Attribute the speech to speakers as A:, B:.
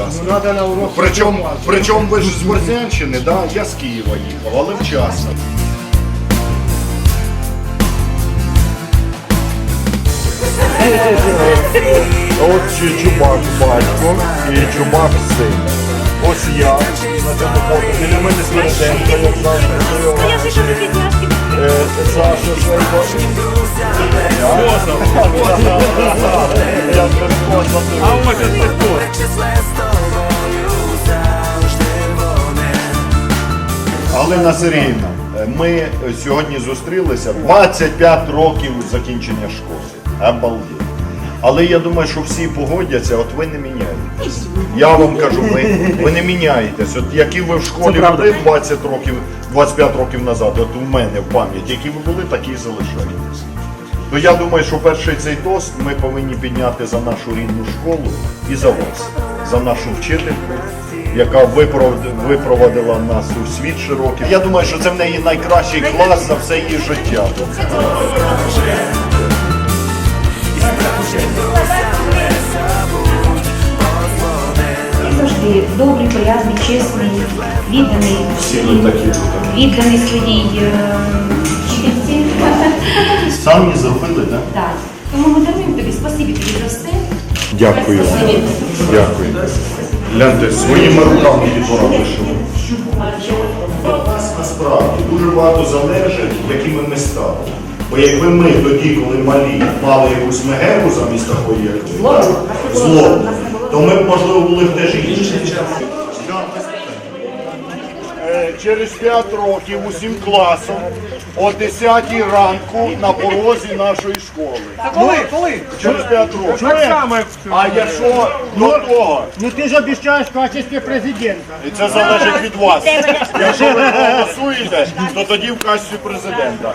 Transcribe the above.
A: вчасно. Причому ви ж з Борзянщини, да? Я з Києва їхав, але вчасно. От Чубак батько і Чубак син. Ось я на цьому фото. Біля мене Сверденко, як завжди. Саша Швейко.
B: А ось це хто?
A: Галина Сергіївна, ми сьогодні зустрілися 25 років закінчення школи. Обалдеть. Але я думаю, що всі погодяться, от ви не міняєтесь. Я вам кажу, ви не міняєтесь. От які ви в школі були 20 років, 25 років назад, от у мене в пам'яті, які ви були, такі і залишаєтесь. То я думаю, що перший цей тост ми повинні підняти за нашу рідну школу і за вас, за нашу вчительку, яка випровадила нас у світ широкий. Я думаю, що це в неї найкращий клас за все її життя.
C: Завжди добрий, приязний, чесний, відданий своїй вчительці.
A: Самі зробили, так?
C: Так. Тому ми даруємо тобі, спасибі тобі за все.
A: Дякую. Дякую. Гляньте, своїми руками дітвора вишили. Насправді дуже багато залежить, якими ми стали. Бо якби ми тоді, коли малі, мали якусь мегеру замість такої, як зло, то ми б, можливо, були б теж інші. Через 5 років усім класом о 10 ранку на порозі нашої школи.
B: Коли?
A: Через 5 років.
B: Так само, як
A: А якщо до того,
D: Ну ты же обещаешь в качестве президента.
A: і це залежить від вас. Якщо ви голосуєте, то тоді в качестві президента.